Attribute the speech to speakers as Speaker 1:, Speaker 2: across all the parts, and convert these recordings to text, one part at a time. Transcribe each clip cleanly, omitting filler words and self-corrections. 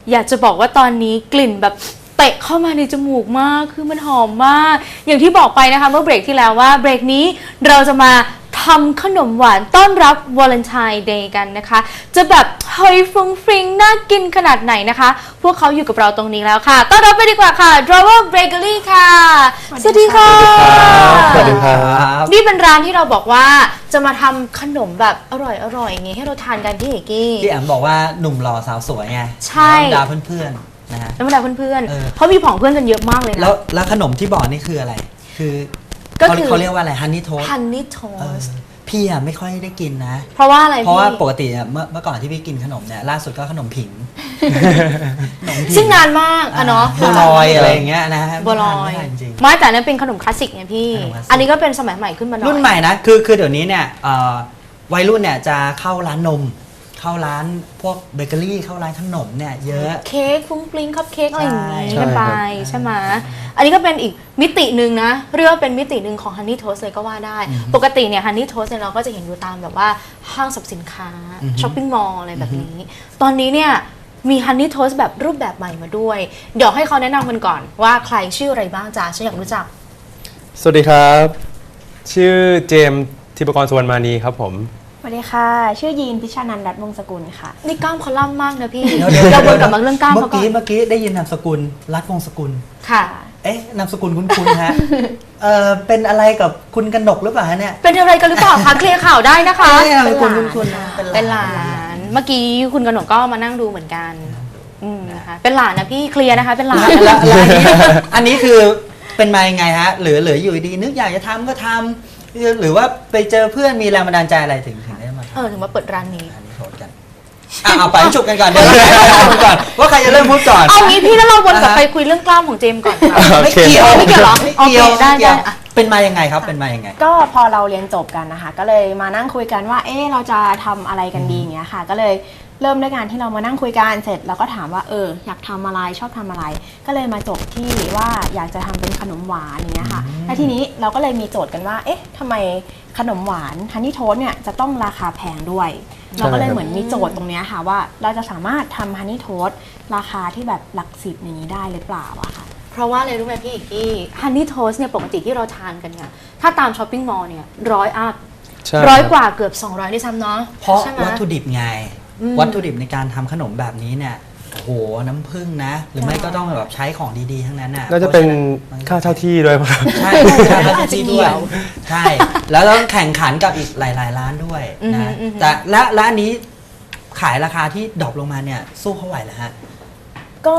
Speaker 1: อยากจะบอกว่าตอนนี้กลิ่นแบบเตะเข้ามาในจมูกมากคือมันหอมมาก อย่างที่บอกไปนะคะเมื่อเบรกที่แล้วว่าเบรกนี้เราจะมาทำขนมหวานต้อนรับวาเลนไทน์เดย์กันนะคะจะแบบเฮ้ยฟรุ้งฟริ้งน่ากินขนาดไหนนะคะพวกเขาอยู่กับเราตรงนี้แล้วค่ะต้อนรับไปดีกว่าค่ะ Drawer Bakery ค่ะสวัสดีค่ะ
Speaker 2: สวัสดีครับ
Speaker 1: นี่เป็นร้านที่เราบอกว่าจะมาทำขนมแบบอร่อยอย่างงี้ให้เราทานกันพี่เอกกี้
Speaker 2: พี่แอมบอกว่าหนุ่มหล่อสาวสวยไง
Speaker 1: ใช่
Speaker 2: ดาวเพื่อนๆนะฮะ
Speaker 1: แล้วบรรดาเพื่อนๆเขามีผองเพื่อนกันเยอะมากเลยนะ
Speaker 2: แล้วขนมที่บอกนี่คืออะไร คือ
Speaker 1: ก็คือ
Speaker 2: เขาเรียกว่าอะไรฮันนี่โทส
Speaker 1: ฮันนี่โทส
Speaker 2: พี่อะไม่ค่อยได้กินนะ
Speaker 1: เพราะว่าอะไรพี่
Speaker 2: เพราะว่าปกติอะเมื่อก่อนที่พี่กินขนมเนี่ยล่าสุดก็ขนมผิงขนมผิง
Speaker 1: ซึ่งนานมากอะเนาะ
Speaker 2: บัวลอยอะไรอย่างเงี้ยนะฮะ
Speaker 1: บัวลอย
Speaker 2: ไม่ทานจริง
Speaker 1: ไม่แต่นั้นเป็นขนมคลาสสิกไงพี่
Speaker 2: ขนมคลาสสิก
Speaker 1: อันนี้ก็เป็นสมัยใหม่ขึ้นมาหน่อย
Speaker 2: รุ่นใหม่นะคือเดี๋ยวนี้เนี่ยวัยรุ่นเนี่ยจะเข้าร้านนม เข้าร้านพวกเบเกอรี่เข้าร้านขนมเนี่ยเยอะ
Speaker 1: เค้กฟุ้งฟริ้งคัพเค้กอะไรอย่างงี้
Speaker 2: ใช่
Speaker 1: กันไปใช่ไหมอันนี้ก็เป็นอีกมิติหนึ่งนะเรียกว่าเป็นมิติหนึ่งของฮันนี่โทสเลยก็ว่าได้ ปกติเนี่ยฮันนี่โทสเนี่ยเราก็จะเห็นอยู่ตามแบบว่าห้างสรรพสินค้าช้อปปิ้งมอลล์อะไรแบบนี้ ตอนนี้เนี่ยมีฮันนี่โทสแบบรูปแบบใหม่มาด้วย เดี๋ยวให้เขาแนะนำกันก่อนว่าใครชื่ออะไรบ้างจ้าฉันอยากรู้จัก
Speaker 3: สวัสดีครับ ชื่อเจมส์ธิปกรสุวรรณมานีครับผม
Speaker 4: สวัสดีค่ะ ชื่อยีนพิชานันท์รัตน์วงศ์สกุลค่ะ
Speaker 1: นี่กล้ามเขาล่ำมากนะพี่
Speaker 2: เดี๋ยว
Speaker 1: เราวนกลับมาเรื่องกล้าม
Speaker 2: เมื่
Speaker 1: เขา
Speaker 2: อ
Speaker 1: ก่อ
Speaker 2: กี้
Speaker 1: น
Speaker 2: เมื่อกี้ได้ยินนามสกุลรัฐวงศ์สกุล
Speaker 1: ค่ะ
Speaker 2: เอ๊ะนามสกุลคุ้นๆฮะ เป็นอะไรกับคุณกนกหรือเปล่าฮะเนี่ย
Speaker 1: เป็นอะไรกันหรือเปล่าคะเคลียร์ข่าวได้นะคะ
Speaker 2: นามสกุลคุ้นๆนะ
Speaker 1: เป็นหลานเมื่อกี้คุณกนกก็มานั่งดูเหมือนกันนะคะเป็นหลานนะพี่เคลียร์นะคะเป็นหลาน
Speaker 2: แล้วอันนี้คือเป็นมายังไงฮะหรืออยู่ดีนึกอยากจะทำก็ทำหรือว่าไปเจอเพื่อนมีแรงบันดาลใจอะไรถึงได้มาทำ
Speaker 1: ถึงมาเปิดร้านนี้
Speaker 2: อันนี้โทษกันเอาไปฉุบกันก่อนเดี๋ยวเราพูดก่อนว่าใครจะเริ่มพูดก่อน
Speaker 1: เอางี้พี่แล้วเราวนกลับไปคุยเรื่องกล้ามของเจมส์ก่อนค่ะ
Speaker 3: โอ
Speaker 2: ไม่
Speaker 3: เค
Speaker 2: เกี่ยว
Speaker 1: ไม่เกี่ยวเหรอ
Speaker 2: ไม่เกี่ยว
Speaker 1: โอเคได้
Speaker 2: ม่กี่ยว
Speaker 1: อ่ะ
Speaker 2: เป็นมายังไงครับเป็นมายังไง
Speaker 4: ก็พอเราเรียนจบกันนะคะ ก็เลยมานั่งคุยกันว่า เราจะทำอะไรกันดีอย่างเงี้ยค่ะ ก็เลยเริ่มด้วยการที่เรามานั่งคุยกันเสร็จเราก็ถามว่าอยากทำอะไรชอบทำอะไร ก็เลยมาจบที่ว่าอยากจะทำเป็นขนมหวานอย่างเงี้ยค่ะ และทีนี้เราก็เลยมีโจทย์กันว่าทำไมขนมหวานฮันนี่โทสเนี่ยจะต้องราคาแพงด้วย เราก็เลยเหมือนมีโจทย์ตรงเนี้ยค่ะว่าเราจะสามารถทำฮันนี่โทสราคาที่แบบหลักสิบอย่างนี้ได้หรือเปล่าอะค่ะ
Speaker 1: เพราะว่าอะไรรู้ไหมพี่อีกที่ฮันนี่โทสเนี่ยปกติที่เราทานกันเนี่ยถ้าตามช้อปปิ้งมอลล์เนี่ย100 อัพ
Speaker 3: ใช่
Speaker 1: 100 กว่าเกือบ200ด้วยซ้ำเนาะ
Speaker 2: เพราะ
Speaker 1: ใช่ไหม
Speaker 2: วัตถุดิบไง
Speaker 1: อืม
Speaker 2: วัตถุดิบในการทำขนมแบบนี้เนี่ยโอ้โหน้ำผึ้งนะ หรือไม่ก็ต้องแบบใช้ของดีๆทั้งนั้นน่ะ
Speaker 3: น่าจะเป็น
Speaker 2: พราฉ
Speaker 3: ค่าเช่าที่ด้วยครับ
Speaker 2: ใช่ค่าเช่าที่ด้วยใช่แล้วต้องแข่งขันกับอีกหลายๆร้านด้วยนะแต่และอันนี้ขายราคาที่ดรอปลงมาเนี่ยสู้เขาไหวเหรอฮะ
Speaker 4: ก็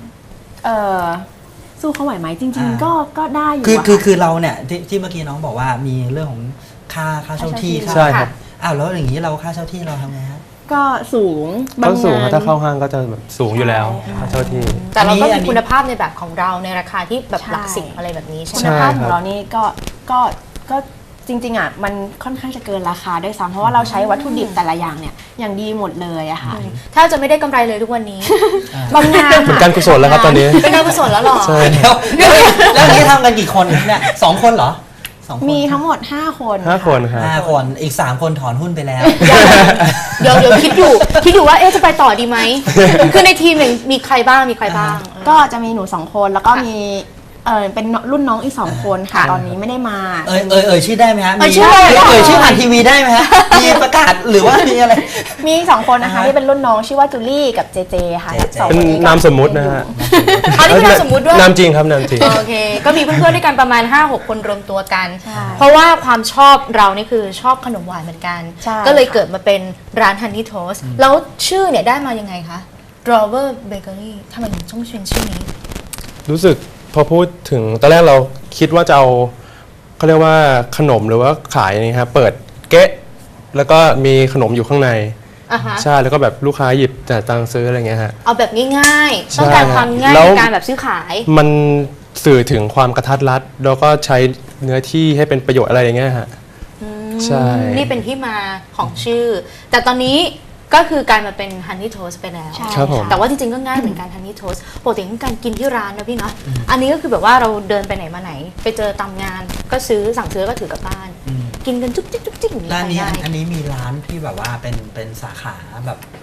Speaker 4: สู้เขาไหวไหมจริง ๆ ก็ได้อยู่
Speaker 2: คือ
Speaker 4: อะ
Speaker 2: คือ
Speaker 4: ค่ะ
Speaker 2: คือเราเนี่ยที่เมื่อกี้น้องบอกว่ามีเรื่องของค่าเช่าที่
Speaker 3: ใช่ครับ
Speaker 2: อ้าวแล้วอย่างนี้เราค่าเช่าที่เราทำไงฮะ
Speaker 4: ก็สูงบา
Speaker 3: ก็
Speaker 4: ง
Speaker 3: สูง
Speaker 4: งา
Speaker 3: ครับ
Speaker 4: น
Speaker 3: ถ้าเข้าห้างก็จะแบบสูงอยู่แล้ว
Speaker 4: ใช่
Speaker 3: ค่าเช่าที่
Speaker 1: แต่เราก็
Speaker 2: อัน
Speaker 1: มี
Speaker 2: นี้
Speaker 1: คุณภาพในแบบของเราในราคาที่แบบ
Speaker 4: ใช่
Speaker 1: หลักสิบอะไรแบบนี้ใช่ไหม
Speaker 3: ใช่
Speaker 4: คุณภาพ
Speaker 3: ค
Speaker 4: ข
Speaker 3: รั
Speaker 4: อบ งเรานี่ก็จริงๆอ่ะมันค่อนข้างจะเกินราคาด้วยซ้ำเพราะว่าเราใช้วัตถุดิบแต่ละอย่างเนี่ยอย่างดีหมดเลยอะค่ะ
Speaker 1: ถ้าจะไม่ได้กำไรเลยทุกวันนี้
Speaker 4: บางงาน
Speaker 3: เป็นการกุศลแล้วครับตอนนี้
Speaker 1: เป็นการกุศลแล้วเหรอ
Speaker 3: ใช่
Speaker 2: แล้วอย่างนี้ทำกันกี่คนเนี่ย2 คนเหรอ2 คน
Speaker 4: มีทั้งหมด 5 คน
Speaker 3: 5 คนครับ
Speaker 2: 5 คนอีก 3 คนถอนหุ้นไปแล้ว
Speaker 1: เดี๋ยวคิดอยู่ว่าจะไปต่อดีไหม คือในทีมหนึ่งมีใครบ้างมีใครบ้าง
Speaker 4: ก็จะมีหนู2 คนแล้วก็มีเป็นรุ่นน้องอีก2 คนค่ะ ตอนนี้ไม่ได้มา
Speaker 2: ชื่อได้ไหมฮะ
Speaker 1: เอ่ยชื่อได้
Speaker 2: ชื่อผ่านทีวีได้ไหมฮะมีประกาศหรือว่ามีอะไร
Speaker 4: มีอีก2 คนนะคะที่เป็นรุ่นน้องชื่อว่าจูลี่กับเจเจค่ะ
Speaker 2: เจเจ
Speaker 4: สอง
Speaker 3: เป็น
Speaker 4: คนนี้ก็
Speaker 3: นามสมมุตินะฮะ
Speaker 1: อันนี้เป็นนามสมมุติด้วย
Speaker 3: นามจริงครับนามจริง
Speaker 1: โอเค ก็มีเพื่อนๆด้วยกันประมาณ 5-6 คนรวมตัวกัน
Speaker 4: ใช่
Speaker 1: เพราะว่าความชอบเรานี่คือชอบขนมหวานเหมือนกัน
Speaker 4: ใช่
Speaker 1: ก็เลยเกิดมาเป็นร้าน Honey Toast แล้วชื่อเนี่ยได้มายังไงคะ Drawer Bakery ทำไมถึงต้องเป็นชื่อนี้
Speaker 3: รู้สึกพอพูดถึงตอนแรกเราคิดว่าจะเอาเขาเรียกว่าขนมหรือว่าขายนี่ครับเปิดเก๊ะแล้วก็มีขนมอยู่ข้างใน
Speaker 1: อ่ะฮะ
Speaker 3: ใช่แล้วก็แบบลูกค้าหยิบจ่ายตังค์ซื้ออะไรเงี้ยฮะ
Speaker 1: เอาแบบง่ายๆ
Speaker 3: ใช่
Speaker 1: ต้องการความง่าย
Speaker 3: แล้ว
Speaker 1: ในการแบบซื้อขาย
Speaker 3: มันสื่อถึงความกระทัดรัด แล้วก็ใช้เนื้อที่ให้เป็นประโยชน์อะไรอย่างเงี้ยฮะใช่
Speaker 1: นี่เป็นที่มาของชื่อ แต่ตอนนี้ก็คือกลายมาเป็น Honey Toast ไปแล้ว
Speaker 4: ใช่
Speaker 3: ครับผม
Speaker 1: แต่ว่าจริงๆก็ง่ายเหมือนกัน Honey Toast ปกติคือการกินที่ร้านนะพี่เนาะอันนี้ก็คือแบบว่าเราเดินไปไหนมาไหน ไปเจอตามงานก็ซื้อสั่งซื้อก็ถือกลับบ้าน กินกันจุ๊บจิ๊บจุ๊บจิ๊บอย่างนี้
Speaker 2: ร้าน
Speaker 1: ไป
Speaker 2: นี้
Speaker 1: ได้
Speaker 2: อันนี้มีร้านที่แบบว่าเป็นสาขาแบบ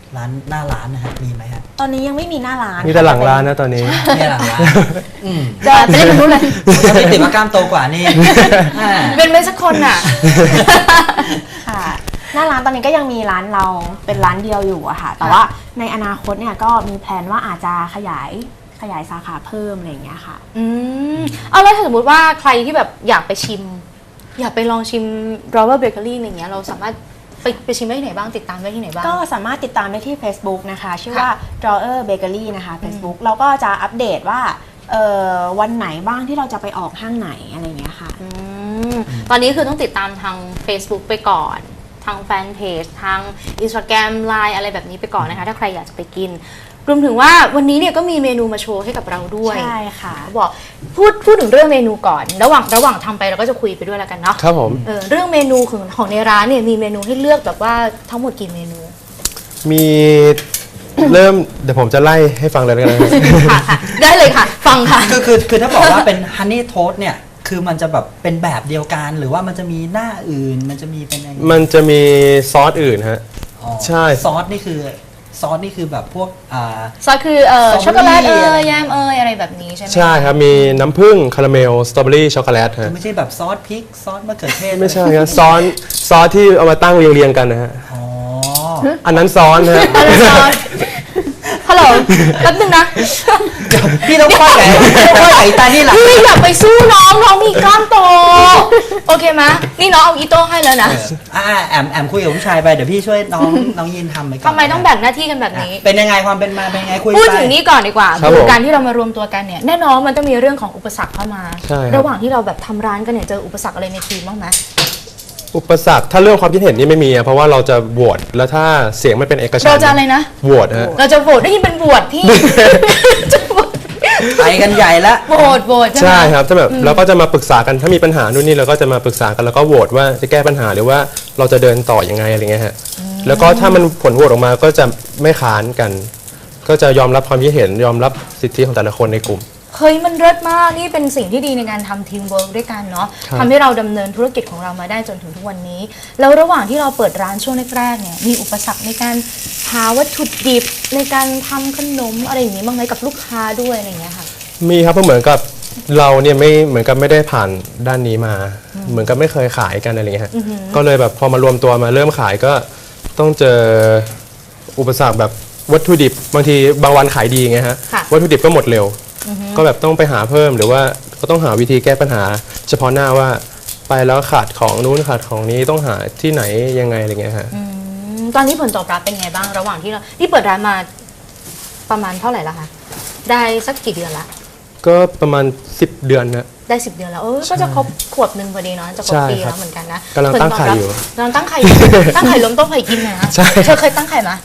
Speaker 2: ร้านหน้าร้านนะฮะมีไหมฮะ
Speaker 4: ตอนนี้ยังไม่มีหน้าร้าน
Speaker 3: มีแต่หลังร้านนะตอนนี้
Speaker 2: เนี่ยหลังร้านอืม
Speaker 1: จะเล่นแบบนู้นเลย
Speaker 2: ถ้าพี่ติ๋มว่ากล้ามโตกว่านี่อ่า
Speaker 1: เป็นไม่สักคนอ่ะ
Speaker 4: ค่ะหน้าร้านตอนนี้ก็ยังมีร้านเราเป็นร้านเดียวอยู่อะค่ะ แต่ว่าในอนาคตเนี่ยก็มีแพลนว่าอาจจะขยายสาขาเพิ่มอะไรอย่างเงี้ยค่ะ
Speaker 1: เอาแล้วถ้าสมมติว่าใครที่แบบอยากไปชิม อยากไปลองชิม Drawer Bakery อะไรเงี้ยเราสามารถไปชิมได้ที่ไหนบ้างติดตามได้ที่ไหนบ้าง
Speaker 4: ก็สามารถติดตามได้ที่ Facebook นะคะ ชื่อว่า Drawer Bakery นะคะ Facebook เราก็จะอัปเดตว่าวันไหนบ้างที่เราจะไปออกห้างไหนอะไรอย่างเงี้ยค่ะ
Speaker 1: ตอนนี้คือต้องติดตามทาง Facebook ไปก่อน ทางแฟนเพจทาง Instagram Line อะไรแบบนี้ไปก่อนนะคะ ถ้าใครอยากจะไปกิน รวมถึงว่าวันนี้เนี่ยก็มีเมนูมาโชว์ให้กับเราด้วย
Speaker 4: ใช่ค่ะ
Speaker 1: บอกพูดถึงเรื่องเมนูก่อน ระหว่างทำไปเราก็จะคุยไปด้วยแล้วกันเนาะ
Speaker 3: ครับผม
Speaker 1: เรื่องเมนูของในร้านเนี่ยมีเมนูให้เลือกแบบว่าทั้งหมดกี่เมนู
Speaker 3: มีเริ่มเดี๋ยวผมจะไล่ให้ฟังเลยแล้วกันนะครับ
Speaker 1: ค่ะได้เลยค่ะ ฟังค่ะ
Speaker 2: คือถ้าบอกว่าเป็นฮันนี่โทสเนี่ยคือมันจะแบบเป็นแบบเดียวกันหรือว่ามันจะมีหน้าอื่นมันจะมีเป็นอะไร
Speaker 3: มันจะมีซอสอื่นฮะ
Speaker 2: อ๋อ
Speaker 3: ใช่
Speaker 2: ซอสนี่คือแบบพวก
Speaker 1: ซอสคือ
Speaker 2: สตรอเบอรี่
Speaker 1: ช็อกโกแลต
Speaker 2: อะไร
Speaker 1: แยมอะไรแบบนี้ใช่ไหม
Speaker 3: ใช่ครับ มีน้ำผึ้งคาราเมลสตรอเบอรี่ช็อกโกแลต
Speaker 2: คือ
Speaker 3: ฮะ
Speaker 2: ไม่ใช่แบบซอสพริกซอสมะเขือเทศ
Speaker 3: ไม่ใช่ครับซอสที่เอามาตั้งเรียงๆกันนะฮะ
Speaker 2: อ๋อ
Speaker 3: อันนั้นซ้อนฮะ
Speaker 1: อะไรซอสฮัลโหลแป๊บนึงนะ
Speaker 2: พี่ต้องค่อยไหนตานี่หลัง
Speaker 1: พี่อย่าไปสู้น้องมีกล้ามโต โอเคไหมนี่น้องเอาอีโต้ให้แล้วนะ
Speaker 2: แอมคุยกับผู้ชายไปเดี๋ยวพี่ช่วยน้องยินทำไปก่อน
Speaker 1: ทำไมต้องแบ่งหน้าที่กันแบบนี้
Speaker 2: เป็นยังไงความเป็นมาเป็นยังไงคุยไป
Speaker 1: พูดถึงนี้ก่อนดีกว่า
Speaker 3: ครับ
Speaker 1: คือ
Speaker 3: ผม
Speaker 1: การที่เรามารวมตัวกันเนี่ยแน่นอนมันต้องมีเรื่องของอุปสรรคเข้ามา
Speaker 3: ใช่ครับ
Speaker 1: ระหว่างที่เราแบบทำร้านกันเนี่ยเจออุปสรรคอะไรในทีมบ้างไหม
Speaker 3: อุปสรรคถ้าเรื่องความคิดเห็นนี่ไม่มีอะเพราะว่าเราจะโหวตแล้วถ้าเสียงไม่เป็นเอกฉัน
Speaker 1: เรา
Speaker 3: ท์
Speaker 1: จะอะไรนะ
Speaker 3: โหวตฮะ
Speaker 1: เราจะโหวตได้ยินเป็นโหวตพี่ จะโหวต
Speaker 2: ไปกันใหญ่ละ
Speaker 1: โหวตใช่ไหม
Speaker 3: ใช่ครับถ้าแบบเราก็จะมาปรึกษากันถ้ามีปัญหานู่นนี่เราก็จะมาปรึกษากันแล้วก็โหวตว่าจะแก้ปัญหาหรือว่าเราจะเดินต่อยังไงอะไรเงี้ยฮะแล้วก็ถ้ามันผลโหวตออกมาก็จะไม่ค้านกัน ก็จะยอมรับความคิดเห็นยอมรับสิทธิของแต่ละคนในกลุ่ม
Speaker 1: เฮ้ยมันเลิศมากนี่เป็นสิ่งที่ดีในการทำทีมเวิร์กด้วยกันเนาะ
Speaker 3: ครับ
Speaker 1: ทำให้เราดำเนินธุรกิจของเรามาได้จนถึงทุกวันนี้ แล้วระหว่างที่เราเปิดร้านช่วงแรกๆเนี่ยมีอุปสรรคในการหาวัตถุดิบในการทำขนมอะไรอย่างนี้บ้างไหมกับลูกค้าด้วยอะไรอย่างเงี้ยค่ะ
Speaker 3: มีครับเพราะเหมือนกับเราเนี่ยไม่เหมือนกับไม่ได้ผ่านด้านนี้มา เหมือนกับไม่เคยขายกันอะไรเงี้ยฮะก็เลยแบบพอมารวมตัวมาเริ่มขายก็ต้องเจออุปสรรคแบบวัตถุดิบบางทีบางวันขายดีไงฮะ
Speaker 1: ค่ะ
Speaker 3: วัตถุดิบก็หมดเร็ว ก็แบบต้องไปหาเพิ่มหรือว่าก็ต้องหาวิธีแก้ปัญหา เฉพาะหน้าว่าไปแล้วขาดของนู้นขาดของนี้ต้องหาที่ไหนยังไงอะไรเงี้ยฮะ
Speaker 1: ตอนนี้ผลตอบรับเป็นไงบ้างระหว่างที่เราที่เปิดร้านมาประมาณเท่าไหร่ละคะได้สักกี่เดือนละ
Speaker 3: ก็ประมาณ10 เดือนนะ
Speaker 1: ได้10 เดือนแล้วก็จะครบขวบหนึ่งพอดีเนาะจะครบ
Speaker 3: ใช่
Speaker 1: ปี
Speaker 3: ครับ
Speaker 1: แล้วเหมือนกันนะ
Speaker 3: กำลังตั้งไข่อยู่
Speaker 1: กำลังตั้งไข่อยู่ ตั้งไข่ล้มต้มไข่กินนะ
Speaker 3: ใช่
Speaker 1: เธอเคยตั้งไข่ไหม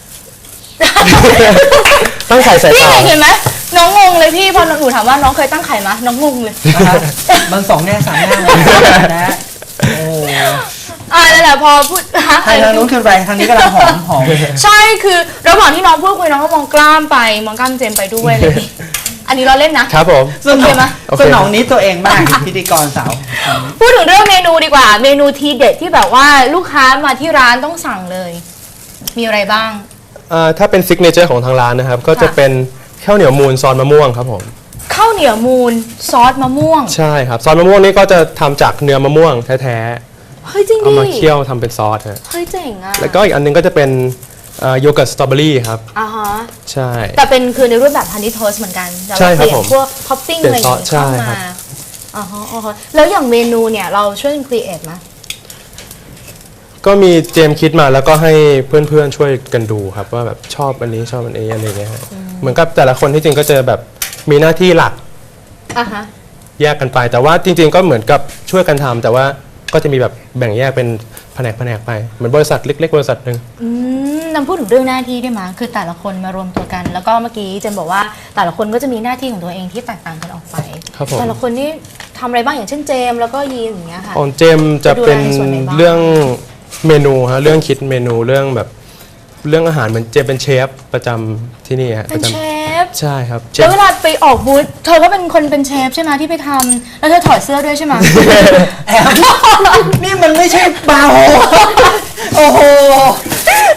Speaker 3: ตั้งไข่ใส่
Speaker 1: พี่
Speaker 3: เตา
Speaker 1: เห็นไหมน้องงงเลยพี่พอหนูถามว่าน้องเคยตั้งไข่ไหมน้องงงเลย
Speaker 2: นะครับมัน2 แง่ 3 แง่เลยนะโอ้
Speaker 1: นั่นแหละพอพูดฮะ
Speaker 2: ทางนู้นคืออะไรทางนี้กำลังหอม
Speaker 1: ใช่คือระหว่างที่น้องพูดคุยน้องก็มองกล้ามไปมองกล้ามเจมไปด้วยอะไรอย่างงี้อันนี้เราเล่นนะครับ
Speaker 3: ผม
Speaker 2: สน
Speaker 1: โอเคไหม
Speaker 2: สนองนี้ตัวเองมากพิธีกรสาว
Speaker 1: พูดถึงเรื่องเมนูดีกว่า เมนูทีเด็ดที่แบบว่าลูกค้ามาที่ร้านต้องสั่งเลย มีอะไรบ้าง
Speaker 3: ถ้าเป็นซิกเนเจอร์ของทางร้านนะครับ ก็จะเป็นข้าวเหนียวมูนซอสมะม่วงครับผม
Speaker 1: ข้าวเหนียวมูนซอสมะม่วง
Speaker 3: ใช่ครับซอสมะม่วงนี่ก็จะทำจากเนื้อมะม่วงแท้
Speaker 1: เฮ้ยจริง
Speaker 3: ๆ
Speaker 1: ดิ
Speaker 3: เอามาเคี่ยวทำเป็นซอสฮะ
Speaker 1: เฮ้ยเจ๋งอ่ะ
Speaker 3: แล้วก็อีกอันนึงก็จะเป็นโยเกิร์ตสตรอเบอรี่ครับ
Speaker 1: อ่าฮะ
Speaker 3: ใช่
Speaker 1: แต่เป็นคือในรูปแบบฮันนี่โทสเหมือนกันแต่
Speaker 3: ใช่
Speaker 1: ว่า
Speaker 3: ครับ
Speaker 1: เปลี่ย
Speaker 3: ผ
Speaker 1: น
Speaker 3: ม
Speaker 1: พวกท็อปปิ้ง
Speaker 3: เปลี่
Speaker 1: อะไร
Speaker 3: ย
Speaker 1: อน ย่าง
Speaker 3: ซอส
Speaker 1: เงี้ยเข้า
Speaker 3: ใช่ครั
Speaker 1: มา
Speaker 3: บ
Speaker 1: อ่าฮะอ่าฮะแล้วอย่างเมนูเนี่ยเราช่วยครีเอทไหม
Speaker 3: ก็มีเจมส์คิดมาแล้วก็ให้เพื่อนๆช่วยกันดูครับว่าแบบชอบอันนี้ชอบอันนี้อะไรเงี้ยฮะเหมือนกับแต่ละคนที่จริงก็จะแบบมีหน้าที่หลัก
Speaker 1: อ่าฮะ
Speaker 3: แยกกันไป แต่ว่าจริงๆก็เหมือนกับช่วยกันทำแต่ว่าก็จะมีแบบแบ่งแยกเป็นแผนกไปเหมือนบริษัทเล็กๆบริษัทหนึ่ง
Speaker 1: นำพูดถึงเรื่องหน้าที่ได้ไหมคือแต่ละคนมารวมตัวกัน แล้วก็เมื่อกี้เจนบอกว่าแต่ละคนก็จะมีหน้าที่ของตัวเองที่แตกต่างกันออกไป
Speaker 3: ครับผม
Speaker 1: แต่ละคนนี่ทำอะไรบ้างอย่างเช่นเจมแล้วก็ยีนอย่างเงี้ยค่ะ
Speaker 3: ของเจมส์จะเป็น
Speaker 1: จะดูแลในส่วนไหนบ้าง
Speaker 3: เรื่องเมนูฮะเรื่องคิดเมนูเรื่องแบบเรื่องอาหารเหมือนเจมส์เป็นเชฟประจำที่นี่ฮะ
Speaker 1: เป็น
Speaker 3: ประจ
Speaker 1: เชฟ
Speaker 3: ำใช่ครับเช
Speaker 1: แล้
Speaker 3: ฟ
Speaker 1: วเวลาไปออกบูธเธอก็เป็นคนเป็นเชฟใช่ไหมที่ไปทำแล้วเธอถอดเสื้อด้วยใช่ไหม
Speaker 2: แอมนี่มันไม่ใช่บาร์โฮโอ้โห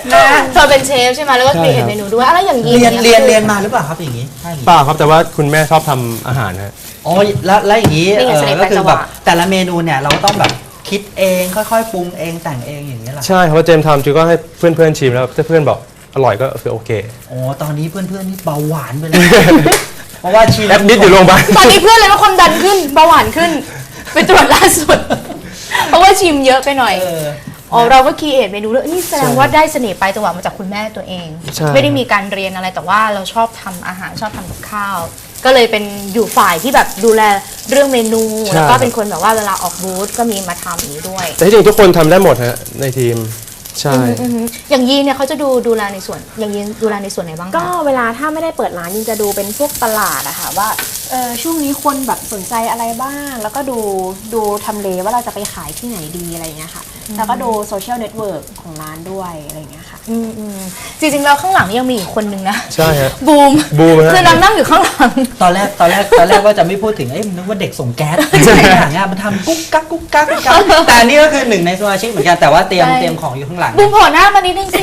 Speaker 1: เธอเป็นเชฟใช่ไหมแล้วก็
Speaker 3: ใช่
Speaker 1: มีเห็น
Speaker 3: ครับ
Speaker 1: เมนูด้วยอะไรอย่างยี
Speaker 2: เรียนมาหรือเปล่าครับอย่างนี้ใช่อย่างนี้
Speaker 3: เปล่าครับแต่ว่าคุณแม่ชอบทำอาหารฮะ
Speaker 2: อ๋อแล้วอย่างนี้
Speaker 1: นี่ไงเสน่ห์
Speaker 2: ก็คือ
Speaker 1: แปลกจังห
Speaker 2: แบ
Speaker 1: วะ
Speaker 2: บแต่ละเมนูเนี่ยเราก็ต้องแบบคิดเองค่อยๆปรุงเองแต่งเองอย่างนี้ยเหรอ
Speaker 3: ใช่เพราะเจมส์ทำจูก็ให้เพื่อนๆชิมแล้วถ้าเพื่อนบอกอร่อยก็คือโอเค
Speaker 2: โอ้ตอนนี้เพื่อนๆนี่เบาหวานไปเลย เพราะว่าชี
Speaker 3: แอดมิดอยู่โรงพยาบาล
Speaker 1: ตอนนี้เพื่อนเลยว่าความดันขึ้นเบาหวานขึ้น ไปตรวจล่าสุด เพราะว่าชิมเยอะไปหน่อย อ๋อเราก็คีเอทเมนูด้วยนี่แสดงว่าได้เสน่ห์ไปจังหวะมาจากคุณแม่ตัวเอง
Speaker 3: ใช่
Speaker 1: ไม่ได้มีการเรียนอะไรแต่ว่าเราชอบทำอาหารชอบทำกับข้าว ก็เลยเป็นอยู่ฝ่ายที่แบบดูแลเรื่องเมนู แล้วก็เป็นคนแบบว่าเวลาออกบูธก็มีมาทำอย่างนี้ด้วย
Speaker 3: แต่ที่จริงทุกคนทำได้หมดฮะในทีมใช่
Speaker 1: อือฮึอย่างยีนเนี่ยเขาจะดูแลในส่วนอย่างยีนดูแลในส่วนไหนบ้างคะ
Speaker 4: ก็เวลาถ้าไม่ได้เปิดร้านยิงจะดูเป็นพวกตลาดอะค่ะว่าช่วงนี้คนแบบสนใจอะไรบ้าง แล้วก็ดูทำเลว่าเราจะไปขายที่ไหนดีอะไรอย่างเงี้ยค่ะแล้วก็ดูโซเชียลเน็ตเวิร์กของร้านด้วยอะไรอย่างเงี้ยค่ะ
Speaker 1: จริงๆแล้วข้างหลังนี่ยังมีอีกคนนึงนะ
Speaker 3: ใช่ฮะ
Speaker 1: บูม
Speaker 3: บูมฮะ
Speaker 1: คือนางนั่งอยู่ข้างหลัง
Speaker 2: ตอนแรกว่าจะไม่พูดถึงนึกว่าเด็กส่งแก๊สอย่างเงี้ยมันทำกุ๊กกักกุ๊กกักกุ๊กกักแต่อันนี่ก็คือหนึ่งในสมาชิกเหมือนกันแต่ว่าเตรียมของอยู่ข้างหลัง
Speaker 1: บูมโผล่หน้ามานิดนึงสิ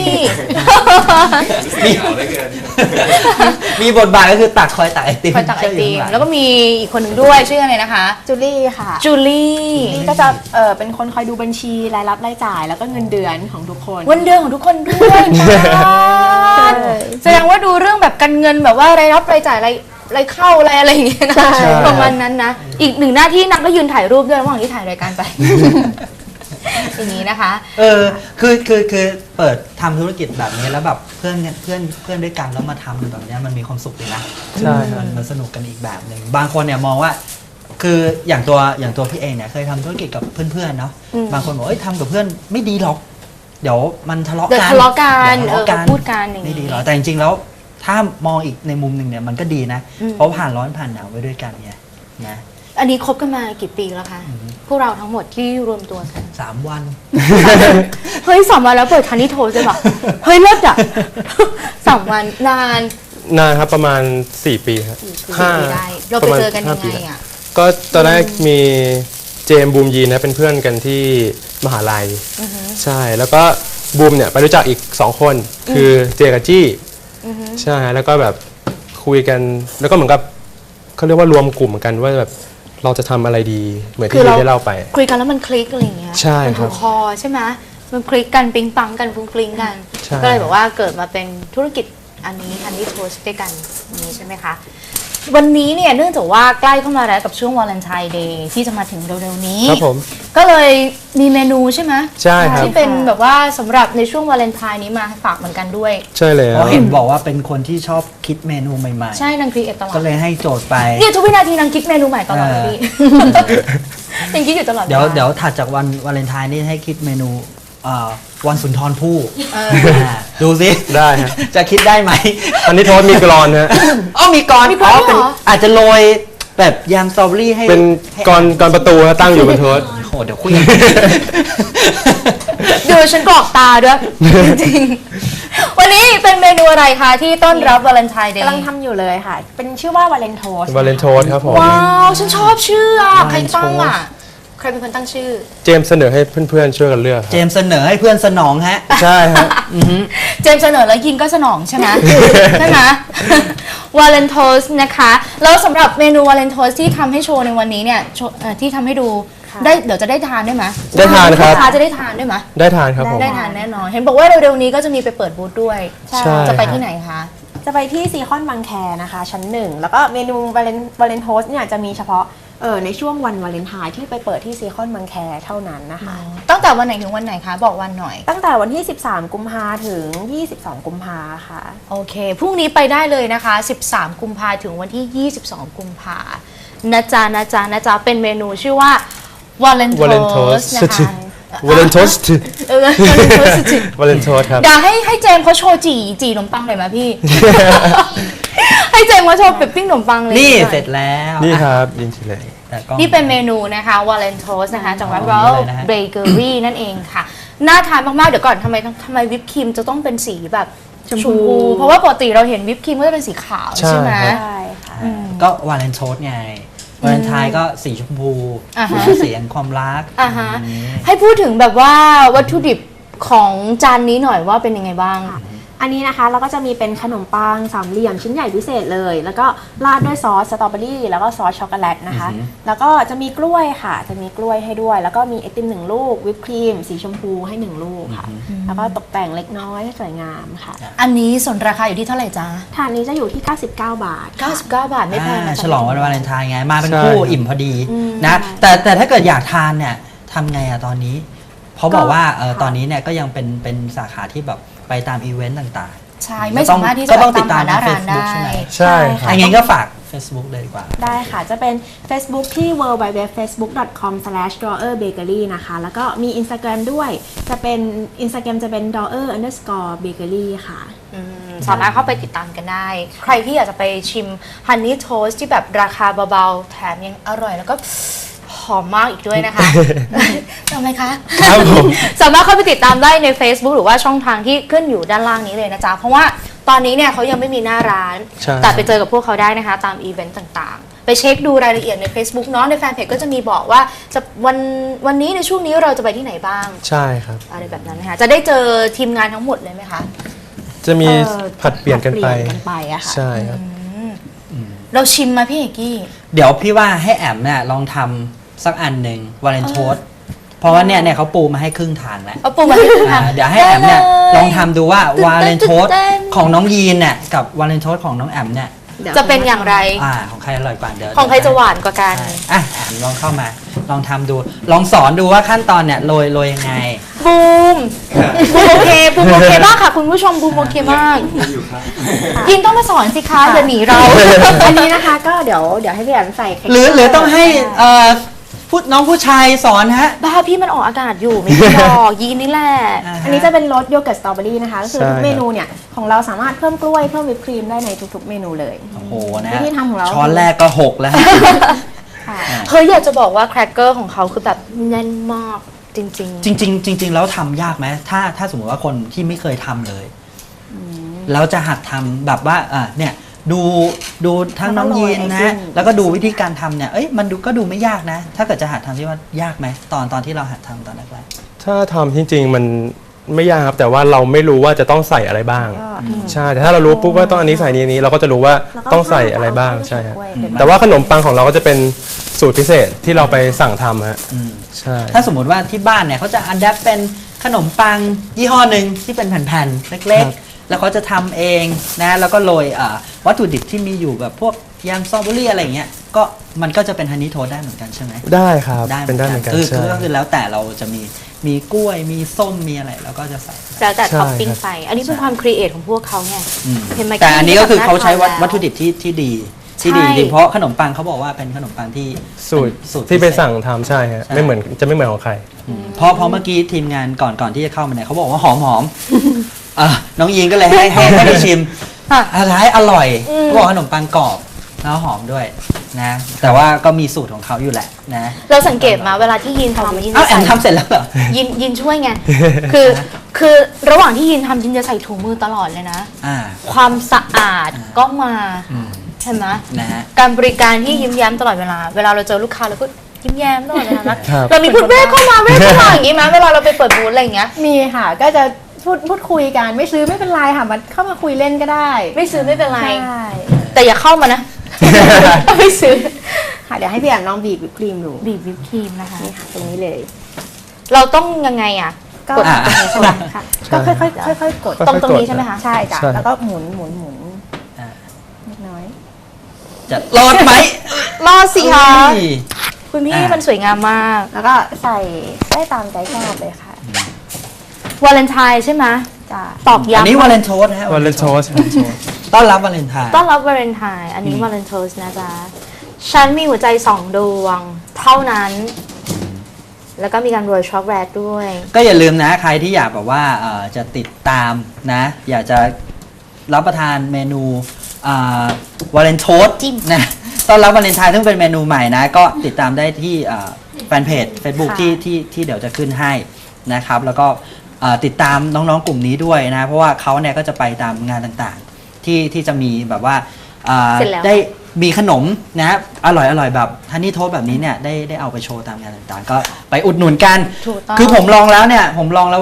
Speaker 2: มีบทบาทก็คือคอยตักไอติม
Speaker 1: คอยตักไอติม
Speaker 2: ยู่ข้างหง
Speaker 1: แล้วก็มีอีกคนหนึ่งด้วยชื่ออะไรนะคะ
Speaker 4: จูลี่ค่ะ
Speaker 1: จูลี่
Speaker 4: นี่ก็จะเป็นคนคอยดูบัญชีรายรับรายจ่ายแล้วก็เงินเดือนของทุกคน
Speaker 1: วันเดือนของทุกคนด้วยบ้านแสดงว่าดูเรื่องแบบการเงินแบบว่ารายรับรายจ่ายรายเข้าอะไรอย่างเงี้ยนะ
Speaker 3: ใช่
Speaker 1: ประมาณนั้นนะ อีกหนึ่งหน้าที่นักก็ยืนถ่ายรูปด้วยระหว่างที่ถ่ายรายการไป อย่างนี้นะคะ
Speaker 2: คือเปิดทำธุรกิจแบบนี้แล้วแบบเพื่อนด้วยกันแล้วมาทำแบบเนี้ยมันมีความสุขดีนะ
Speaker 3: ใช่ครับ
Speaker 2: มันสนุกกันอีกแบบหนึ่งบางคนเนี่ยมองว่า คืออย่างตัวพี่เองเนี่ยเคยทำธุรกิจกับเพื่อนๆเนาะบางคนบอกทำกับเพื่อนไม่ดีหรอก เดี๋ยวมันทะเลาะ
Speaker 1: เดี๋ยว
Speaker 2: กัน
Speaker 1: ทะเลาะกัน
Speaker 2: เดี๋ยวทะเลาะกัน
Speaker 1: พูดกันอย่างนี้
Speaker 2: ไม่ดีหรอกแต่จริงๆแล้วถ้ามองอีกในมุมหนึ่งเนี่ยมันก็ดีนะ เพราะผ่านร้อนผ่านหนาวไปด้วยกันไงนะ
Speaker 1: อันนี้คบกันมากี่ปีแล้วคะพวกเราทั้งหมดที่รวมตัวกัน
Speaker 2: 3 วัน
Speaker 1: เฮ้ยสามวันแล้วเปิดทันนี่โทรใช่ปะเฮ้ยเลิศอ่ะ 3 วันนาน
Speaker 3: นานครับประมาณ 4 ปีครับ
Speaker 1: 4 ปีได้เราไปเจอกันยังไงอ่ะ
Speaker 3: ก็ตอนแรกมีเจมส์บูมยีนนะเป็นเพื่อนกันที่มหาลัยใช่แล้วก็บูมเนี่ยไปรู้จักอีก 2 คนคือเจกับจี้ใช่แล้วก็แบบคุยกันแล้วก็เหมือนกับเขาเรียกว่ารวมกลุ่มกันว่าแบบเราจะทำอะไรดีเหมือนที่ยีนได้เล่าไป
Speaker 1: คุยกันแล้วมันคลิกอะไรอย่างเงี้ย
Speaker 3: ใช่
Speaker 1: มัน
Speaker 3: ครั
Speaker 1: ถู
Speaker 3: บ
Speaker 1: กคอใช่ไหมมันคลิกกันปิ๊งปังกันฟุ้งฟลิงกัน
Speaker 3: ใช่
Speaker 1: ก็เลยแบบว่าเกิดมาเป็นธุรกิจอันนี้โทสด้วยกันอย่างนี้ใช่ไหมคะวันนี้เนี่ยเนื่องจากว่าใกล้เข้ามาแล้วกับช่วงวาเลนไทน์เดย์ที่จะมาถึงเร็วๆนี้
Speaker 3: ครับผม
Speaker 1: ก็เลยมีเมนูใช่ไหม
Speaker 3: ใช่ครับ
Speaker 1: ที่เป็นแบบว่าสำหรับในช่วงวาเลนไทน์นี้มาฝากเหมือนกันด้วย
Speaker 3: ใช่เลย
Speaker 2: เพราะเห็นบอกว่าเป็นคนที่ชอบคิดเมนูใหม่
Speaker 1: ใช่นางครีเอทตลอ
Speaker 2: ๆ
Speaker 1: ด
Speaker 2: ก็เลยให้โจทย์ไป
Speaker 1: เนี่ยทุกวินาทีนางคิดเมนูใหม่ตลอดเลยพี่ ยังคิดอยู่ตลอด
Speaker 2: เดี๋ยว
Speaker 1: ลา
Speaker 2: เดี๋ยวถัดจากวันวาเลนไทน์นี่ให้คิดเมนูวันสุนทรภู่ดูสิ
Speaker 3: ได้ฮะ
Speaker 2: จะคิดได้ไหม
Speaker 3: อันนี้โทษมีกรอนฮะ
Speaker 2: อ๋อมีกร
Speaker 1: มีกลอนด้วยเหรอ
Speaker 2: อาจจะโรยแบบยำสตรอเบอรี่ให้
Speaker 3: เป็น
Speaker 2: ให้
Speaker 3: กรประตูฮะตั้งอยู่บนโทษ
Speaker 2: โอ้โหเดี๋ยวคุย
Speaker 1: ดูฉันกรอกตาด้วย จริงๆวันนี้เป็นเมนูอะไรคะที่ต้อนรับวาเลนไทน์เดย์
Speaker 4: กำลังทำอยู่เลยค่ะ เป็นชื่อว่าวาเลนโทส
Speaker 3: วาเลนโทสครับผม
Speaker 1: ว้าวฉันชอบชื่ออ่ะใคร
Speaker 2: Valentine
Speaker 1: ตั้งอ่ะใครเป็นคนตั้งชื่อ
Speaker 3: เจมส์เสนอให้เพื่อนๆช่วยกันเลือกค
Speaker 2: เจ
Speaker 3: รับ
Speaker 2: มส์เสนอให้เพื่อนสนองฮะ
Speaker 3: ใช่ฮะ
Speaker 1: เจมส์เสนอแล้วยินก็สนองใช่ไหม ใช่ไหมวาเลนโทสนะคะแล้วสำหรับเมนูวาเลนโทสที่ทำให้โชว์ในวันนี้เนี่ยที่ทำให้ดูได้เดี๋ยวจะได้ทานได้ไหม
Speaker 3: ได้ทานครับ
Speaker 1: ลูกค้าจะได้ทานได้ไหม
Speaker 3: ได้ทานครับผม
Speaker 1: ได้ทานแน่นอน เห็นบอกว่าเร็วๆนี้ก็จะมีไปเปิดบูธด้วย
Speaker 3: ใช่
Speaker 1: จะไปที่ไหนคะ
Speaker 4: จะไปที่ซีคอนบางแคนะคะ ชั้น 1 แล้วก็เมนูวาเลนโทสเนี่ยจะมีเฉพาะในช่วงวันวาเลนไทน์ที่ไปเปิดที่ซีคอนบางแคเท่านั้นนะคะ
Speaker 1: ตั้งแต่วันไหนถึงวันไหนคะ บอกวันหน่อย
Speaker 4: ตั้งแต่วันที่ 13 กุมภาถึง 22 กุมภาค่ะ
Speaker 1: โอเค พรุ่งนี้ไปได้เลยนะคะ 13 กุมภาถึงวันที่ 22 กุมภานะจ๊ะนะจ๊ะนะจ๊ะเป็นเมนูชื่อว่าวาเลนโท
Speaker 3: Valentoast
Speaker 1: สนะคะ
Speaker 3: วาเลนโทส
Speaker 1: Valentoast
Speaker 3: วาเลนโทสครับ
Speaker 1: เดี๋ยวให้เจมส์เขาโชว์จีขนมปังหน่อยไหมพี่ ให้เจมส์เขาโชว์เป็ดปิ้งขนมปังเลย
Speaker 2: นี่
Speaker 1: หอย
Speaker 2: เสร็จแล้ว
Speaker 3: นี่ครับยินดีเลย
Speaker 2: แต่ก็
Speaker 1: นี่เป็นเมนูนะคะวาเลนโทสนะคะจากร้าน
Speaker 2: อ๋อ
Speaker 1: Royal
Speaker 2: เลยนะฮะ
Speaker 1: Bakery นั่นเองค่ะ น่าทานมาก ๆ เดี๋ยวก่อนทำไมวิปครีมจะต้องเป็นสีแบบชมพู เพราะว่าปกติเราเห็นวิปครีมก็จะเป็นสีขาว
Speaker 3: ใช่
Speaker 1: ใช่ไหม
Speaker 3: ครับ
Speaker 4: ใช่ค่ะ
Speaker 2: ก็วาเลนโทสไงวาเลนไทน์ก็สีชมพู
Speaker 1: อ่าฮะ
Speaker 2: สีแห่งความรัก
Speaker 1: อ่าฮะ
Speaker 2: อย่างนี้
Speaker 1: ให้พูดถึงแบบว่าวัตถุดิบของจานนี้หน่อยว่าเป็นยังไงบ้าง
Speaker 4: อันนี้นะคะเราก็จะมีเป็นขนมปังสามเหลี่ยมชิ้นใหญ่พิเศษเลย แล้วก็ราดด้วยซอสสตรอเบอรี่แล้วก็ซอสช็อกโกแลตนะคะ แล้วก็จะมีกล้วยค่ะจะมีกล้วยให้ด้วย แล้วก็มีไอติม1 ลูกวิปครีมสีชมพูให้1 ลูกค่ะ แล้วก็ตกแต่งเล็กน้อยให้สวยงามค่ะ
Speaker 1: อันนี้ส่วนราคาอยู่ที่เท่าไหร่จ๊ะ
Speaker 4: ถาดนี้จะอยู่ที่ 99 บาทค่ะ
Speaker 1: 99 บาทไม่แพงนะ
Speaker 2: ฉลองวันวาเลนไทน์ไงมาเป็น
Speaker 3: ใช่
Speaker 2: คู่อิ่มพอดีนะแต่ถ้าเกิดอยากทานเนี่ยทำไงอะตอนนี้เขาบอกว่าตอนนี้เนี่ยก็ยังเป็นสาขาที่แบบไปตามอีเวนต์ต่างๆ
Speaker 1: ใช่ไม่สามารถที่จะ
Speaker 2: ก็
Speaker 1: ไป
Speaker 2: ต้องติ
Speaker 1: ตา
Speaker 2: ด
Speaker 1: ม
Speaker 2: ตาม
Speaker 1: หาหน้า
Speaker 2: ใน
Speaker 1: ร้าน
Speaker 2: Facebook
Speaker 1: ได้
Speaker 2: ใช่ไหม
Speaker 3: ใช่ครับ
Speaker 2: อย่างงี้ก็ฝาก Facebook เลยดีกว่า
Speaker 4: ได้ค่ะ จะเป็น Facebook ที่ www.facebook.com/drawerbakery นะคะ แล้วก็มี Instagram ด้วย จะเป็น Instagram จะเป็น drawer_bakery ค่ะ
Speaker 1: สามารถเข้าไปติดตามกันได้ ใครที่อยากจะไปชิมฮันนี่โทสที่แบบราคาเบาๆ แถมยังอร่อยแล้วก็หอมมากอีกด้วยนะคะ ทำไมคะ
Speaker 3: ครับผม
Speaker 1: สามารถเข้าไปติดตามได้ใน Facebook หรือว่าช่องทางที่ขึ้นอยู่ด้านล่างนี้เลยนะจ๊ะ เพราะว่าตอนนี้เนี่ยเขายังไม่มีหน้าร้าน
Speaker 3: ใช่
Speaker 1: แต่ไปเจอกับพวกเขาได้นะคะตามอีเวนต์ต่างๆ ไปเช็คดูรายละเอียดใน Facebook เนาะในแฟนเพจก็จะมีบอกว่าจะวันนี้ในช่วงนี้เราจะไปที่ไหนบ้าง
Speaker 3: ใช่ครับ
Speaker 1: อะไรแบบนั้นนะคะจะได้เจอทีมงานทั้งหมดเลยไหมคะ
Speaker 3: จะมีผัดเปลี่ยนกันไป
Speaker 4: ผัดเปลี่ยนกันไปอะค่ะ
Speaker 3: ใช่ครับ
Speaker 1: เราชิมมาพี่เอกกี้
Speaker 2: เดี๋ยวพี่ว่าให้แอมเนี่ยลองทำสักอันหนึ่งวาเลนโทสเพราะว่าเนี่ยเขาปูมาให้ครึ่งทางแล้ว
Speaker 1: เอาปูมาให้คุณทำ
Speaker 2: เดี๋ยวให้แอมเนี่ย
Speaker 1: ได้เลย
Speaker 2: ลองทำดูว่าวาเลนโทส
Speaker 1: ตื่นเต้น
Speaker 2: ของน้องยีนเนี่ยกับวาเลนโทสของน้องแอมเนี่ย
Speaker 1: จะเป็นอย่างไร
Speaker 2: ของใครอร่อยกว่าเดี๋ยว
Speaker 1: ของใครจะหวานกว่ากัน
Speaker 2: ใช่อ่ะแอมลองเข้ามาลองทำดู ลองสอนดูว่าขั้นตอนเนี่ยโรยยังไง
Speaker 1: บูมโอเคบูมโอเคมากค่ะคุณผู้ชมบูมโอเคมากยินต้องมาสอนสิคะอย่าหนีเรา
Speaker 4: อันนี้นะคะก็เดี๋ยวให้พี่แอมใส่
Speaker 2: หรือต้องให้น้องผู้ชายสอนฮะ
Speaker 1: บ้าพี่มันออกอากาศอยู่ไม่ได้หรอกยินนี่แหละ
Speaker 4: อันนี้จะเป็นรสโยเกิร์ตสตรอเบอรี่นะคะ ก็คือ
Speaker 3: ใช่
Speaker 4: ทุกเมนูเนี่ยของเราสามารถเพิ่มกล้วยเพิ่มวิปครีมได้ในทุกๆเมนูเลย
Speaker 2: โอ้โหนะ
Speaker 4: วิธีทำของเรา
Speaker 2: ช้อนแรกก็หกแล้วฮะ
Speaker 4: ค่ะ
Speaker 1: เฮ้ยอยากจะบอกว่าแครกเกอร์ของเขาคือแบบแน่นมากจริง
Speaker 2: จริงๆแล้วทำยากไหมถ้าสมมติว่าคนที่ไม่เคยทำเลยแล้วจะหัดทำแบบว่าเนี่ยดูทั้งน้องยีนนะ แล้วก็ดูวิธีการทำเนี่ยมันก็ดูไม่ยากนะ ถ้าเกิดจะหัดทำที่ว่ายากไหมตอนที่เราหัดทำตอนแรก
Speaker 3: ถ้าทำจริงๆมันไม่ยากครับแต่ว่าเราไม่รู้ว่าจะต้องใส่อะไรบ้าง ใช่แต่ถ้าเรารู้ปุ๊บว่าต้องอันนี้ใส่นี้เราก็จะรู้ว่าต้องใส่อะไรบ้างใช่ครับแต่ว่าขนมปังของเราก็จะเป็นสูตรพิเศษที่เราไปสั่งทำฮะ
Speaker 2: อืม
Speaker 3: ใช่
Speaker 2: ถ้าสมมติว่าที่บ้านเนี่ยเขาจะอัดแอปเป็นขนมปังยี่ห้อหนึ่งที่เป็นแผ่นๆเล็กๆ แล้วเขาจะทำเองนะแล้วก็โรยวัตถุดิบที่มีอยู่แบบพวกยำสตรอเบอรี่อะไรอย่างเงี้ยก็มันก็จะเป็นฮันนี่โทสต์ได้เหมือนกันใช่ไหม
Speaker 3: ได้ครับ
Speaker 2: ได้
Speaker 3: เป็นได้เหมือนกัน
Speaker 2: คือ
Speaker 3: ใช่
Speaker 2: ก็คือแล้วแต่เราจะมีกล้วยมีส้มมีอะไรแล้วก็จะใส่
Speaker 1: ๆแล้วแต่
Speaker 3: ใช่
Speaker 1: ท็อปปิ้ง
Speaker 3: ครับ
Speaker 1: ไป อันนี้เป็นความครีเอทของพวกเขาไง
Speaker 2: อืม
Speaker 1: เห็นไหม
Speaker 2: แต่อันนี้ก็คือเขาใช้
Speaker 1: แบบน่าทาน
Speaker 2: วัตถุดิบที่ดีจริงเพราะขนมปังเขาบอกว่าเป็นขนมปังที่
Speaker 3: สูตร
Speaker 2: เป็น
Speaker 3: ที่ไป
Speaker 2: พิเศษ
Speaker 3: สั่งทำใช่ฮะ
Speaker 2: ใช่
Speaker 3: ไม่เหมือนจะไม่เหมือนของใคร
Speaker 2: เพราะเมื่อกี้ทีมงานก่อนที่จะเข้ามาเนี่ยเขาบอกว่าหอมน้องยีนก็เลยให้ได้ชิม
Speaker 1: ค่ะ
Speaker 2: อะไรอร่อยเขาบอกขนมปังกรอบแล้วหอมด้วยนะแต่ว่าก็มีสูตรของเขาอยู่แหละนะ
Speaker 1: เราสังเกตมาเวลาที่ยินทำยิน
Speaker 2: เอ้า
Speaker 1: จะ
Speaker 2: แอ
Speaker 1: ใส่
Speaker 2: มทำเสร็จแล้วเหรอ
Speaker 1: ยินช่วยไง คือระหว่างที่ยินทำยินจะใส่ถุงมือตลอดเลยนะ
Speaker 2: อ่า
Speaker 1: ความสะอาดก็มาเห็นไหม
Speaker 2: นะฮะ
Speaker 1: การบริการที่ยิ้มแย้มตลอดเวลาเราเจอลูกค้าเราก็ยิ้มแย้มตลอดเวลานะครับ เรามีพูดเว้เข้ามาอย่างงี้ไหมเวลาเราไปเปิดบูธอะไรอย่างเงี้ย
Speaker 4: มีค่ะก็จะพูดคุยกันไม่ซื้อไม่เป็นไรค่ะมันเข้ามาคุยเล่นก็ได้
Speaker 1: ไม่ซื้อไม่เป็นไร
Speaker 4: ใช่
Speaker 1: แต่อย่าเข้ามานะ ไม่ซื้อ
Speaker 4: ค่ะเดี๋ยวให้พี่แอมลองบีบวิปครีมดู
Speaker 1: บีบวิปครีมนะคะ
Speaker 4: นี่ค่ะตรงนี้เลย
Speaker 1: เราต้องยังไงอ่ะ
Speaker 4: ก็
Speaker 1: กด
Speaker 4: ตรงนี้ใช่ไหมค่ะก็ค่อยๆค่อยๆกด
Speaker 1: ตรงนี้ใช่ไหมคะ
Speaker 4: ใช่จ้ะ
Speaker 3: ใช่
Speaker 4: แล้วก็หมุน
Speaker 2: อ่า
Speaker 4: เล็กน้อย
Speaker 2: จะรอดไหม
Speaker 1: รอดสิคะ
Speaker 2: เอ้ย
Speaker 1: คุณพี่
Speaker 2: อ่ะ
Speaker 1: มันสวยงามมาก
Speaker 4: แล้วก็ใส่ได้ตามใจชอบเลยค่ะ
Speaker 1: วาเลนไทน์ใช่ไหม
Speaker 4: จ้ะ
Speaker 1: ตอก
Speaker 2: อัน
Speaker 1: ย้ำ
Speaker 2: นี้วาเลนโทสนะฮะ
Speaker 3: วาเลนโทส
Speaker 2: ต้อนรับวาเลนไทน์
Speaker 1: ต้อนรับวาเลนไทน์อันนี้วาเลนโทสนะจ๊ะฉันมีหัวใจ2 ดวง เท่านั้น แล้วก็มีการโรยช็อกโกแลตด้วย
Speaker 2: ก็อย่าลืมนะใครที่อยากแบบว่าจะติดตามนะอยากจะรับประทานเมนูวาเลนโทส
Speaker 1: จิ้ม
Speaker 2: นะต้อนรับวาเลนไทน์ซึ่งเป็นเมนูใหม่นะก็ติดตามได้ที่แฟนเพจ Facebook
Speaker 4: ค่ะ
Speaker 2: ที่เดี๋ยวจะขึ้นให้นะครับแล้วก็ติดตามน้องๆกลุ่มนี้ด้วยนะเพราะว่าเขาเนี่ยก็จะไปตามงานต่างๆที่จะมีแบบว่า
Speaker 1: เสร็จแล้ว
Speaker 2: ได้มีขนมนะอร่อยแบบฮันนี่โทสแบบนี้เนี่ยได้เอาไปโชว์ตามงานต่างๆ ก็ไปอุดหนุนกัน
Speaker 1: ถูกต้อง
Speaker 2: คือผมลองแล้วเนี่ยผมลองแล้วว่า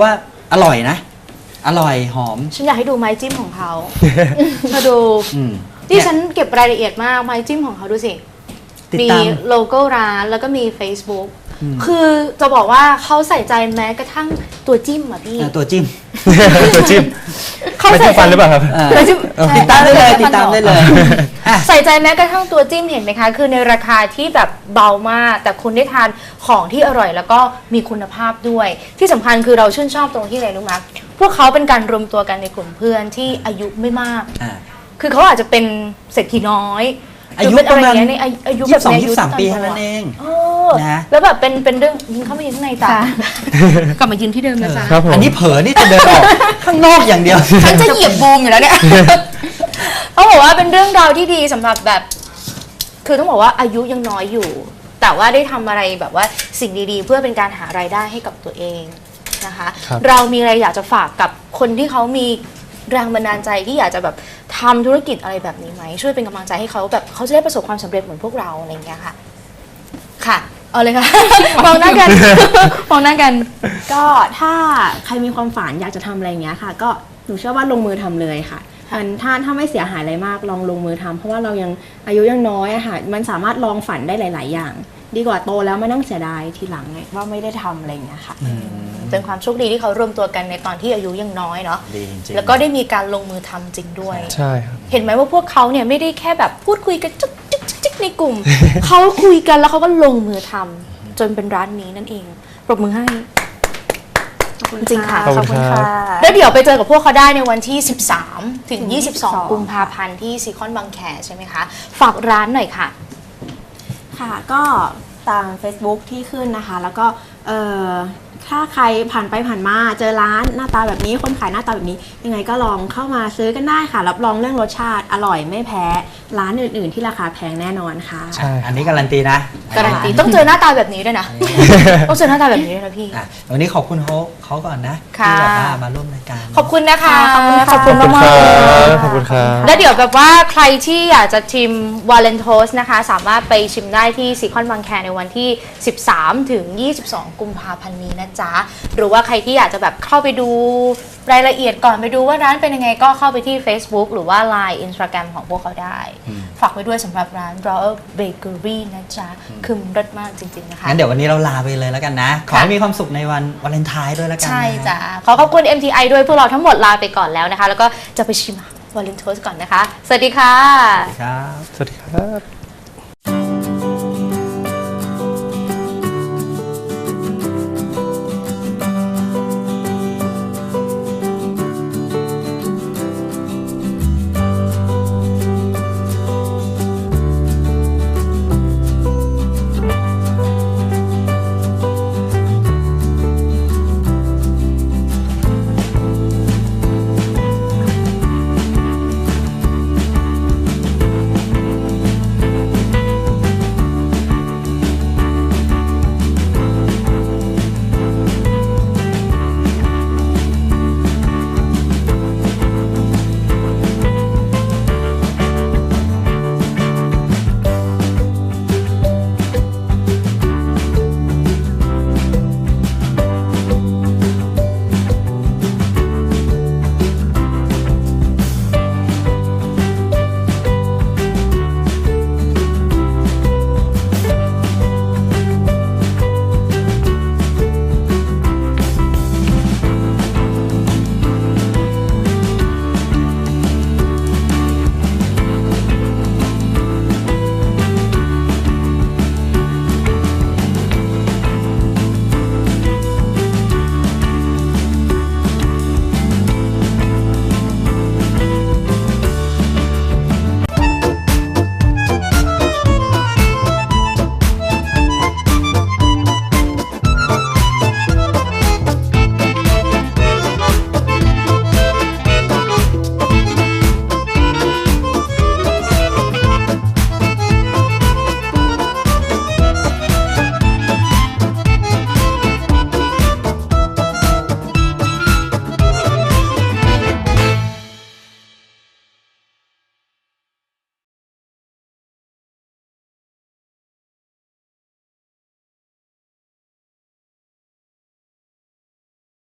Speaker 2: อร่อยนะ อร่อยหอม
Speaker 1: ฉันอยากให้ดูไม้จิ้มของ เขา มาดู
Speaker 2: อืม
Speaker 1: ที่
Speaker 2: เนี่ย
Speaker 1: ฉันเก็บรายละเอียดมากไม้จิ้มของเขาดูสิ
Speaker 2: ติด
Speaker 1: มี
Speaker 2: ตาม
Speaker 1: โลโก้ร้านแล้วก็มี Facebook คือจะบอกว่าเขาใส่ใจแม้กระทั่งตัวจิ้มอะพี่
Speaker 2: ตัวจิ้ม
Speaker 3: ตัวจิ้ม
Speaker 1: เขา
Speaker 3: ไม่
Speaker 1: ใส่
Speaker 3: ใช่ฟันหรือเปล่าครับ
Speaker 1: ตัวจิ้ม
Speaker 2: ติดตามได้เลย
Speaker 1: ใช่
Speaker 2: ติดตามได้เลยอ่ะ
Speaker 1: ใส่ใจแม้กระทั่งตัวจิ้มเห็นไหมคะ คือในราคาที่แบบเบามาก แต่คุณได้ทานของที่อร่อยแล้วก็มีคุณภาพด้วย ที่สำคัญคือเราชื่นชอบตรงที่อะไรรู้ไหมพวกเขาเป็นการรวมตัวกันในกลุ่มเพื่อนที่อายุไม่มาก
Speaker 2: อ่ะ
Speaker 1: คือเขาอาจจะเป็นเศรษฐีน้อย
Speaker 2: อายุ
Speaker 1: หเป็น
Speaker 2: ประมาณ
Speaker 1: อไเงี้ยในอายุ
Speaker 2: 22
Speaker 1: แบบในอายุ
Speaker 2: 23 ปีเท่านั้นเอง
Speaker 1: เออ
Speaker 2: นะ
Speaker 1: แล้วแบบเป็นเรื่องยิงเข้ามายืนข้างในจ้ะกลับมายืนที่เดิมนะจ๊ะ
Speaker 3: ครับผม
Speaker 2: อันนี้เผลอนี่จะเดินออก ข้างนอกอย่างเดียว
Speaker 1: ฉันจะเหยียบบูมอยู่แล้วเนี่ย เขาบอกว่าเป็นเรื่องราวที่ดีสำหรับแบบ คือต้องบอกว่าอายุยังน้อยอยู่ แต่ว่าได้ทำอะไรแบบว่าสิ่งดีๆ เพื่อเป็นการหารายได้ให้กับตัวเองนะคะ
Speaker 3: ครับ
Speaker 1: เรามีอะไรอยากจะฝากกับคนที่เขามีแรงบันดาลใจที่อยากจะแบบทำธุรกิจอะไรแบบนี้ไหมช่วยเป็นกำลังใจให้เขาแบบเขาจะได้ประสบความสำเร็จเหมือนพวกเราอะไรอย่างเงี้ยค่ะ ค่ะเอาเลยค่ะ มองหน้ากัน มองหน้ากัน
Speaker 4: ก็ถ้าใครมีความฝันอยากจะทำอะไรอย่างเงี้ยค่ะ ก็หนูเชื่อว่าลงมือทำเลยค่ะมันถ้าไม่เสียหายอะไรมากลองลงมือทำเพราะว่าเรายังอายุยังน้อยอะค่ะมันสามารถลองฝันได้หลาย ๆ อย่าง ดีกว่าโตแล้วมานั่งเสียดายทีหลังไงว่าไม่ได้ทำอะไรอย่างเงี้ยค่ะ
Speaker 1: เป็นความโชคดีที่เขารวมตัวกันในตอนที่อายุยังน้อยเนาะ
Speaker 2: ดีจริงๆ
Speaker 1: แล้วก็ได้มีการลงมือทำจริงด้วย
Speaker 3: ใช่ครับ
Speaker 1: เห็นไหมว่าพวกเขาเนี่ยไม่ได้แค่แบบพูดคุยกันจุ๊กจิ๊กจิ๊กในกลุ่ม เขาคุยกันแล้วเขาก็ลงมือทำจนเป็นร้านนี้นั่นเอง ปรบมือให้ จริงค่ะ
Speaker 3: ขอบคุณครับ
Speaker 1: แล้วเดี๋ยวไปเจอกับพวกเขาได้ในวันที่ 13 ถึง 22 กุมภาพันธ์ที่ซีคอนบางแคใช่ไหมคะ ฝากร้านหน่อยค่ะ
Speaker 4: ค่ะก็ตาม Facebook ที่ขึ้นนะคะ แล้วก็ถ้าใครผ่านไปผ่านมาเจอร้านหน้าตาแบบนี้คนขายหน้าตาแบบนี้ ยังไงก็ลองเข้ามาซื้อกันได้ค่ะรับรองเรื่องรสชาติอร่อยไม่แพ้ร้านอื่นๆ ที่ราคาแพงแน่นอนค่ะ
Speaker 3: ใช่
Speaker 2: อันนี้การันตีนะ
Speaker 1: การันตีต้องเจอหน้าตาแบบนี้ด้วยนะ ต้องเจอหน้าตาแบบนี้ด้วยนะพี่
Speaker 2: อ่ะวันนี้ขอบคุณเขาก่อนนะ
Speaker 1: ค่ะ
Speaker 2: ที่แบบว่ามาร่วมรายการ
Speaker 1: ขอบคุณนะคะ
Speaker 4: ขอบคุณค่ะ
Speaker 1: ขอบคุณมากๆเลย
Speaker 3: ขอบคุณครับ
Speaker 1: แล้วเดี๋ยวแบบว่าใครที่อยากจะชิมวาเลนโทสนะคะ สามารถไปชิมได้ที่ซีคอนบางแคในวันที่ 13 ถึง 22 กุมภาพันธ์นี้นะจ๊ะ หรือว่าใครที่อยากจะแบบเข้าไปดูรายละเอียดก่อนไปดูว่าร้านเป็นยังไงก็เข้าไปที่ Facebook หรือว่า Line Instagram ของพวกเขาได้ ฝากไว้ด้วยสำหรับร้าน Royal Bakery นะจ๊ะ คือมันรสมากจริง ๆ นะคะ
Speaker 2: งั้นเดี๋ยววันนี้เราลาไปเลยแล้วกันนะ ขอให้มีความสุขในวันวาเลนไทน์ด้วยแล้วกันนะ
Speaker 1: ใช่จ้ะ ขอขอบคุณ MTI ด้วยพวกเราทั้งหมดลาไปก่อนแล้วนะคะ แล้วก็จะไปชิมวาเลนโทสก่อนนะคะ สวัสดีค่ะ
Speaker 2: ครับ
Speaker 3: สวัสดีครับ